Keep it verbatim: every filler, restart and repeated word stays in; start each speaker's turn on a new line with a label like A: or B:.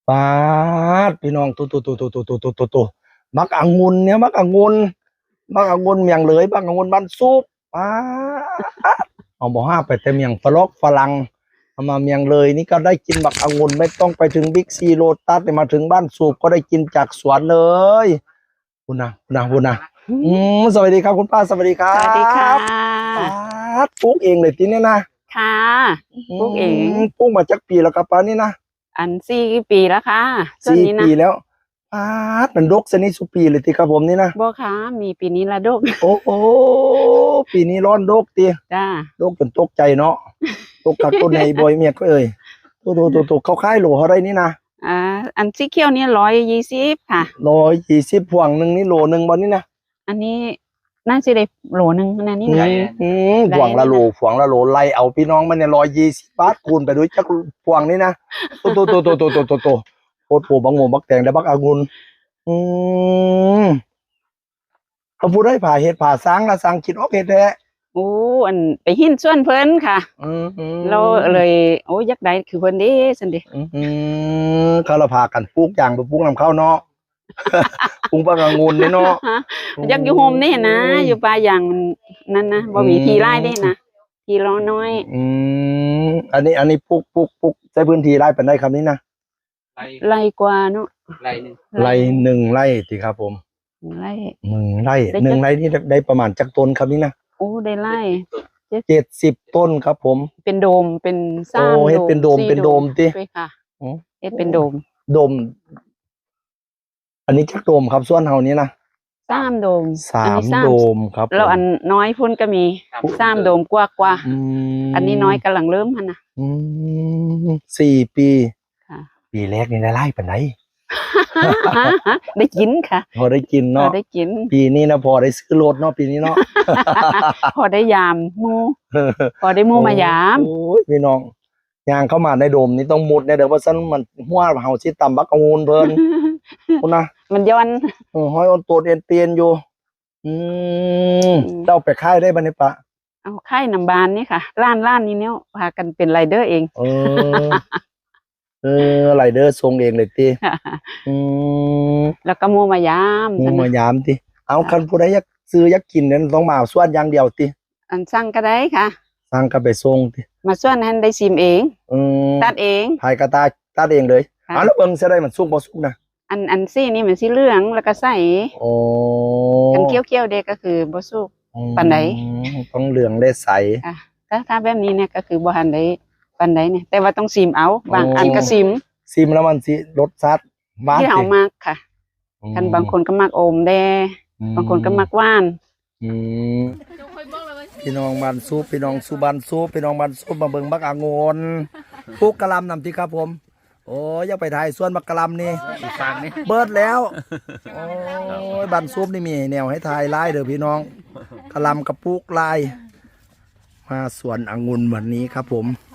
A: ปาดพี่น้องตัวตัวตัวตัวตัวตัวตัวตัวตัวมักองุ่นเนี่ยมักองุ่นมักองุ่นเมียงเลยมักองุ่นบ้านซุปปาดเอาบอกห้าไปแต่เมียงฝรั่งฝรั่งเอามาเมียงเลยนี่ก็ได้กินบักองุ่นไม่ต้องไปถึงบิ๊กซีโลตัสมาถึงบ้านสูบก็ได้กินจากสวนเลยคุณนะคุณนะคุณนะอืมสวัสดีครับคุณป้าสวัสดีครับ
B: สวัสดีค่ะ
A: ปาดปลูกเองเลยทีนี้นะ
B: ค่ะปลูกเอง
A: ปลูกมาจากปีแล้วครับป้านี่นะ
B: อันสี่ปีแล้วค่ะ
A: สี่ปีแล้วป้าดมันดกสนิทสุปีเลยทีครับผมนี่นะ
B: บ่ค่ะมีปีนี้ละดก
A: โอ้โหปีนี้ร้อนดกตี
B: จ้า
A: ดกจนตกใจเนาะตกกับต้นในบอยเมียก็เอ่ยตัวตัวตัวตัวเขาค่ายโหลอะไรนี่นะ
B: อ่าอันสีเขียวนี่ร้อยยี่สิบค่ะ
A: ร้อยยี่สิบพวงหนึ่งนี่โหลหนึ่งบอลนี่นะ
B: อันนี้น่าจะได้โหลหนึ่งนั่นนี่
A: ไงพวงละโหลพวงละโหลไล่เอาพี่น้องมันเนี่ยร้อยยี่สิบบาทคูณไปด้วยจักพวงนี่นะตัวตัวตัวตัวตัวตัวตัวตัวโคตรปูบังโงบักแตงได้บักองุ่นอืมเขาพูดได้ผ่าเห็ดผ่าสร้างละสร้างคิดออกเห็ดแท้
B: โอ้อันไปหินส่วนเพิ่นค่ะเราเลยโอ้ยักษ์ใดคือเพิ่นเด้สันเด
A: อืมเขาเราพากันปลูกอย่างไปปลูกนำเข้าเนาะปลูกบักองุ่นนี่เนาะ
B: ยักษ์อยู่โฮมนี่นะอยู่ป่าอย่างนั่นนะบ่มีที่ไร่ได้นะที่ร้อน้อย
A: อืมอันนี้อันนี้ปลูกปลูกปลูกใช้พื้นที่ไร่เป็นได้คำนี้นะ
B: ไร่กว่าเนาะ
C: ไร่หนึ่ง
A: ไร่หนึ่งไร่สิครับผม
B: ไร่
A: หนึ่งไร่หนึ่งไร่นี่ได้ประมาณจักต้นครับนี่นะ
B: โอ้ได้ไร่
A: เจ็ดสิบต้นครับผม
B: เป็นโดมเป็นสร้าง
A: โอ้เฮ็ดเป็นโดมเป็นโดมติ
B: ค่ะเฮ็ดเป็นโดม
A: โดมอันนี้จักโดมครับส่วนเฮานี้นะ
B: สามโดม
A: สามโดมครับ
B: แล้วอันน้อยพุ่นก็มีสามโดมกว่ากว่าอันนี้น้อยกำลังเริ่มหั่นน่ะ
A: อืมสี่ปี
B: ค่ะ
A: ปีแรกนี่ได้ไร่ปานใด
B: ได้กินค่ะ
A: พอได้กินเนาะ
B: ได้กิน
A: ปีนี้นะพอได้ซื้อรถเนาะปีนี้เนาะ
B: พอได้ยามหมู่พอได้หมู่มายาม
A: โอ้ยพี่น้องย่างเข้ามาในโดมนี่ต้องมุดเนี่ยเด้อว่าซั่นมันหัวเฮาสิตำบักองุ่นเพิ่นพุ่นนะ
B: มันย้อน
A: เออห้อยออนโตดเอ็นเตียนอยู่อืมเจ้าไปขายได้บ่นี่ปะ
B: เอาขายน้ำบานนี่ค่ะร้านร้านนี้เนี่ยพากันเป็นไรเดอร์เอง
A: เออเออไรเดอร์ส่งเองเลยติอืม
B: แล้วก็หมู่มายาม
A: หมู่มายามติเอาคันผู้ใดอยากซื้ออยากกินนั้นต้องมาส่วนอย่างเดียวติ
B: อันสั่งก็ได้ค่ะ
A: สั่งก็ไปส่งติ
B: มาส่วนให้ได้ชิมเอง
A: อืม
B: ตัดเอง
A: ภายกระตาตัดเองเลยอ๋อแล้วเบิ่งสิได้มันสุกบ่สุกนะ
B: อันอันซี่นี่มันสีเหลืองแล้วก็ใส
A: โอ้
B: กันเคี้ยวๆเด็กก็คือบ่สุกปานใด
A: ต้องเหลืองได้ใส
B: อ่ะถ้าถ้าแบบนี้เนี่ยก็คือบ่ทันได้ปานใดเนี่ยแต่ว่าต้องชิมเอาบางอันก็ชิม
A: ชิมแล้วมันสิรสชาติหวาน
B: ที่เฮามากค่ะกันบางคนก็มักอมแดบางคนก็มักหวาน
A: อืมพี่น้องบ้านซุปพี่น้องสุบ้านซุปพี่น้องบ้านซุปมาเบิ่งบักองุ่นปลูกกะหล่ำนำติครับผมโอ้ยอยากไปถ่ายสวนบักกะหล่ำนี่เบิดแล้วโอ้ยบ้านซุปนี่มีแนวให้ถ่ายลายเด้อพี่น้องกะหล่ำกับปลูกลายมาสวนองุ่นวันนี้ครับผม